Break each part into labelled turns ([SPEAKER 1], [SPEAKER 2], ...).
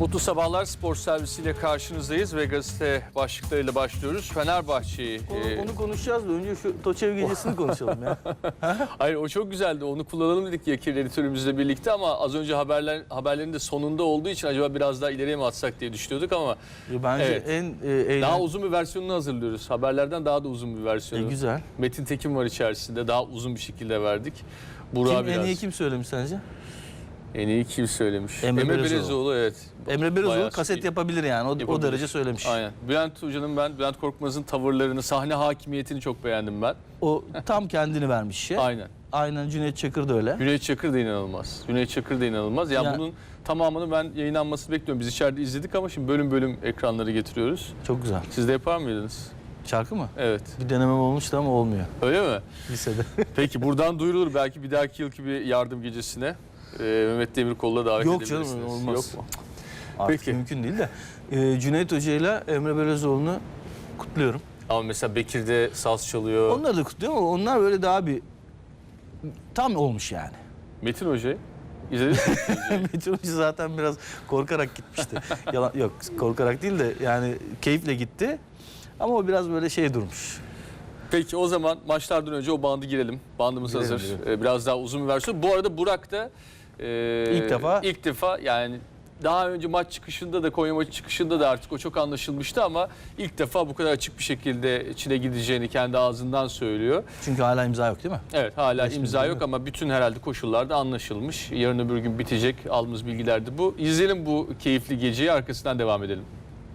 [SPEAKER 1] Mutlu sabahlar, spor servisiyle karşınızdayız ve gazete başlıklarıyla başlıyoruz. Fenerbahçe'yi...
[SPEAKER 2] Onu konuşacağız da önce şu Toçev gecesini konuşalım ya.
[SPEAKER 1] Hayır, o çok güzeldi. Onu kullanalım dedik Yakir editörümüzle birlikte ama az önce haberlerin de sonunda olduğu için acaba biraz daha ileriye mi atsak diye düşünüyorduk ama...
[SPEAKER 2] Bence
[SPEAKER 1] evet,
[SPEAKER 2] en
[SPEAKER 1] daha uzun bir versiyonunu hazırlıyoruz. Haberlerden daha da uzun bir versiyonu.
[SPEAKER 2] Güzel.
[SPEAKER 1] Metin Tekin var içerisinde. Daha uzun bir şekilde verdik.
[SPEAKER 2] En iyi kim söylemiş sence?
[SPEAKER 1] En iyi kim söylemiş?
[SPEAKER 2] Emre
[SPEAKER 1] Belezoğlu, evet.
[SPEAKER 2] Emre Belezoğlu
[SPEAKER 1] Bayağı
[SPEAKER 2] kaset yapabilir yani. O derece söylemiş.
[SPEAKER 1] Aynen. Bülent Korkmaz'ın tavırlarını, sahne hakimiyetini çok beğendim ben.
[SPEAKER 2] O tam kendini vermiş şey.
[SPEAKER 1] Aynen.
[SPEAKER 2] Aynen, Cüneyt Çakır da öyle.
[SPEAKER 1] Cüneyt Çakır da inanılmaz. Yani bunun tamamını ben yayınlanmasını bekliyorum. Biz içeride izledik ama şimdi bölüm bölüm ekranları getiriyoruz.
[SPEAKER 2] Çok güzel.
[SPEAKER 1] Siz de yapar mıydınız?
[SPEAKER 2] Şarkı mı?
[SPEAKER 1] Evet.
[SPEAKER 2] Bir denemem olmuştu ama olmuyor.
[SPEAKER 1] Öyle mi?
[SPEAKER 2] Lisede.
[SPEAKER 1] Peki buradan duyurulur belki bir dahaki yılki bir yardım gecesine. Mehmet Demirkol'la davet edebilirsiniz.
[SPEAKER 2] Yok canım, olmaz.
[SPEAKER 1] Yok mu?
[SPEAKER 2] Artık
[SPEAKER 1] Peki.
[SPEAKER 2] mümkün değil de. Cüneyt Hoca ile Emre Belezoğlu'nu kutluyorum.
[SPEAKER 1] Ama mesela Bekir'de saz çalıyor.
[SPEAKER 2] Onları da kutluyorum ama onlar böyle daha bir tam olmuş yani.
[SPEAKER 1] Metin Hoca'yı izlediniz mi?
[SPEAKER 2] Metin Hoca zaten biraz korkarak gitmişti. Yok, korkarak değil de yani keyifle gitti. Ama o biraz böyle şey durmuş.
[SPEAKER 1] Peki o zaman maçlardan önce o bandı girelim. Bandımız hazır. Biraz daha uzun bir versiyon. Bu arada Burak da ilk defa yani daha önce maç çıkışında da Konya maçı çıkışında da artık o çok anlaşılmıştı ama ilk defa bu kadar açık bir şekilde Çin'e gideceğini kendi ağzından söylüyor.
[SPEAKER 2] Çünkü hala imza yok değil mi?
[SPEAKER 1] Evet, hala imza yok ama bütün herhalde koşullarda anlaşılmış. Yarın öbür gün bitecek. Aldığımız bilgiler de bu. İzleyelim bu keyifli geceyi, arkasından devam edelim.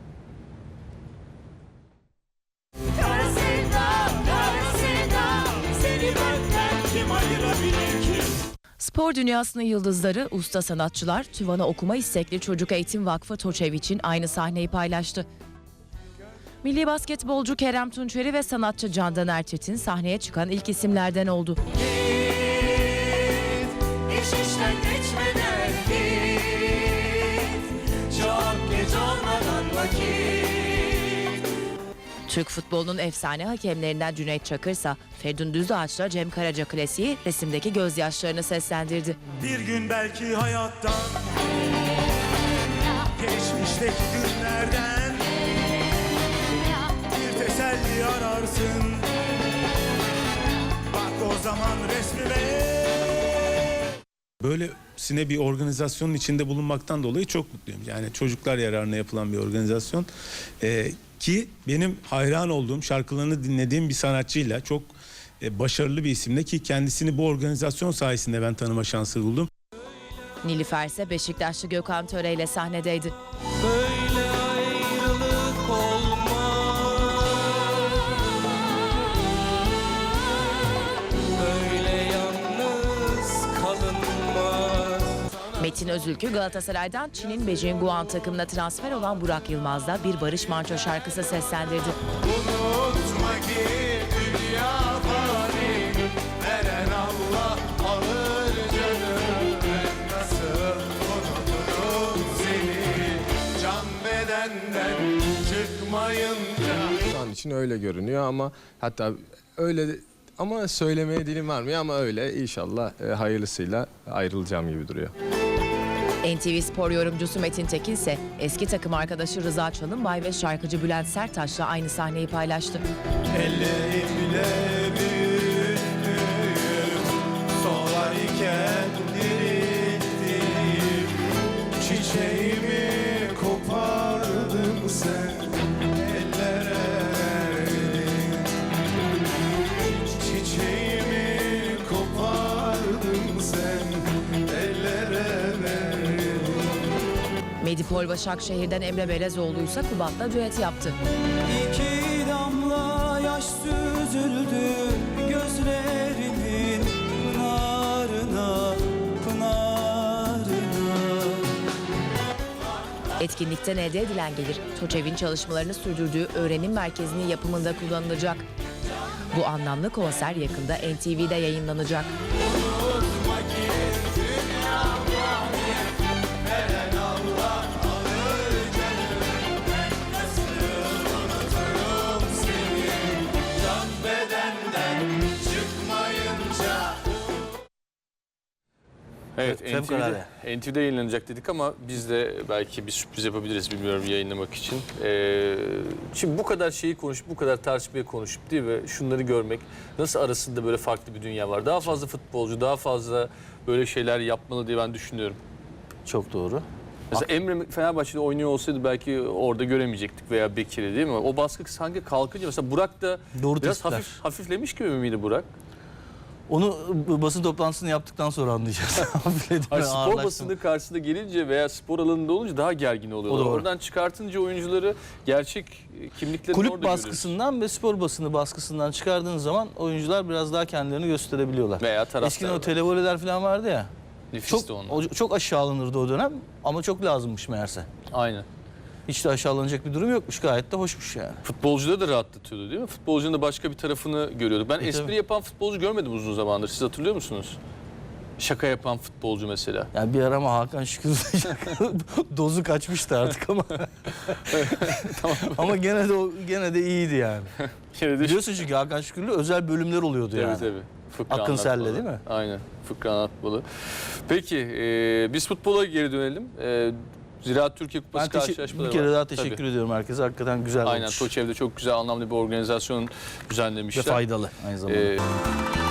[SPEAKER 3] Spor dünyasının yıldızları, usta sanatçılar, Tüvan'a okuma istekli Çocuk Eğitim Vakfı Toçev için aynı sahneyi paylaştı. Milli basketbolcu Kerem Tunçeri ve sanatçı Candan Erçetin sahneye çıkan ilk isimlerden oldu. Türk futbolunun efsane hakemlerinden Cüneyt Çakır ise Feridun Düzdağaç'la Cem Karaca klasiği resimdeki gözyaşlarını seslendirdi.
[SPEAKER 4] Bir gün belki hayattan, geçmişteki günlerden bir teselli ararsın. Bak o zaman resmime. Böylesine bir organizasyonun içinde bulunmaktan dolayı çok mutluyum. Yani çocuklar yararına yapılan bir organizasyon. Ki benim hayran olduğum, şarkılarını dinlediğim bir sanatçıyla, çok başarılı bir isimle, ki kendisini bu organizasyon sayesinde ben tanıma şansı buldum.
[SPEAKER 3] Nilüfer ise Beşiktaşlı Gökhan Töre ile sahnedeydi.
[SPEAKER 5] Böyle ayrılık olmaz, böyle yalnız kalınmaz.
[SPEAKER 3] Metin Özülkü Galatasaray'dan Çin'in Beijing Guan takımına transfer olan Burak Yılmaz'da bir Barış Manço şarkısı seslendirdi.
[SPEAKER 4] Unutma ki dünya fani, veren Allah alır canım. Nasıl unuturum seni, can bedenden çıkmayınca.
[SPEAKER 6] Şu an için öyle görünüyor ama hatta öyle ama söylemeye dilim varmıyor ama öyle, inşallah hayırlısıyla ayrılacağım gibi duruyor.
[SPEAKER 3] NTV Spor yorumcusu Metin Tekin ise eski takım arkadaşı Rıza Çalınbay ve şarkıcı Bülent Serttaş'la aynı sahneyi paylaştı.
[SPEAKER 4] Ellerimle büyüttüm, solarken dirilttim, çiçeğimi kopardın sen, ellere verdin. Çiçeğimi kopardın sen, ellere verdin.
[SPEAKER 3] Medipol Başakşehir'den Emre Belezoğlu ise Kubat'la düet yaptı.
[SPEAKER 5] İki damla yaş süzüldü gözlerimin pınarına, pınarına.
[SPEAKER 3] Etkinlikten elde edilen gelir, Toçev'in çalışmalarını sürdürdüğü öğrenim merkezinin yapımında kullanılacak. Bu anlamlı konser yakında NTV'de yayınlanacak.
[SPEAKER 1] Evet,
[SPEAKER 2] Fevkalade.
[SPEAKER 1] NTV'de yayınlanacak dedik ama biz de belki bir sürpriz yapabiliriz bilmiyorum yayınlamak için. Şimdi bu kadar şeyi konuşup, bu kadar tartışmaya konuşup değil mi? Şunları görmek, nasıl arasında böyle farklı bir dünya var. Daha fazla futbolcu, daha fazla böyle şeyler yapmalı diye ben düşünüyorum.
[SPEAKER 2] Çok doğru.
[SPEAKER 1] Mesela Emre Fenerbahçe'de oynuyor olsaydı belki orada göremeyecektik veya Bekir'i değil mi? O baskı sanki kalkınca mesela Burak da
[SPEAKER 2] Doğru
[SPEAKER 1] biraz
[SPEAKER 2] tespitler.
[SPEAKER 1] hafiflemiş gibi miydi Burak?
[SPEAKER 2] Onu basın toplantısını yaptıktan sonra anlayacağız.
[SPEAKER 1] Hayır, spor basını karşısında gelince veya spor alanında olunca daha gergin oluyorlar.
[SPEAKER 2] O doğru.
[SPEAKER 1] Oradan çıkartınca oyuncuları gerçek kimliklerini orada
[SPEAKER 2] Kulüp baskısından ve spor basını baskısından çıkardığın zaman oyuncular biraz daha kendilerini gösterebiliyorlar.
[SPEAKER 1] veya taraftar.
[SPEAKER 2] Eskiden o televoleler falan vardı ya.
[SPEAKER 1] Nefisti onlar.
[SPEAKER 2] Çok aşağılanırdı o dönem ama çok lazımmış meğerse.
[SPEAKER 1] Aynen.
[SPEAKER 2] Hiç de aşağılanacak bir durum yokmuş. Gayet de hoşmuş yani.
[SPEAKER 1] Futbolcuları da rahatlatıyordu değil mi? Futbolcunun da başka bir tarafını görüyorduk. Ben espri
[SPEAKER 2] tabii.
[SPEAKER 1] yapan futbolcu görmedim uzun zamandır. Siz hatırlıyor musunuz? Şaka yapan futbolcu mesela.
[SPEAKER 2] Yani bir ara ama Hakan Şükür dozu kaçmıştı artık ama. Ama gene de iyiydi yani.
[SPEAKER 1] Yine de
[SPEAKER 2] Biliyorsun çünkü Hakan Şükür'lü özel bölümler oluyordu
[SPEAKER 1] tabii,
[SPEAKER 2] yani.
[SPEAKER 1] tabii. Fıkra
[SPEAKER 2] Akın Sel'le
[SPEAKER 1] anlatmalı.
[SPEAKER 2] değil mi?
[SPEAKER 1] Aynen. Fıkra anlatmalı. Peki biz futbola geri dönelim. Ziraat Türkiye Kupası
[SPEAKER 2] Ben
[SPEAKER 1] karşılaşmaları
[SPEAKER 2] bir kere
[SPEAKER 1] var.
[SPEAKER 2] daha teşekkür
[SPEAKER 1] Tabii.
[SPEAKER 2] ediyorum herkese. Hakikaten güzel
[SPEAKER 1] Aynen.
[SPEAKER 2] olmuş.
[SPEAKER 1] Toçev'de çok güzel anlamlı bir organizasyon
[SPEAKER 2] Ve
[SPEAKER 1] düzenlemişler.
[SPEAKER 2] faydalı aynı zamanda.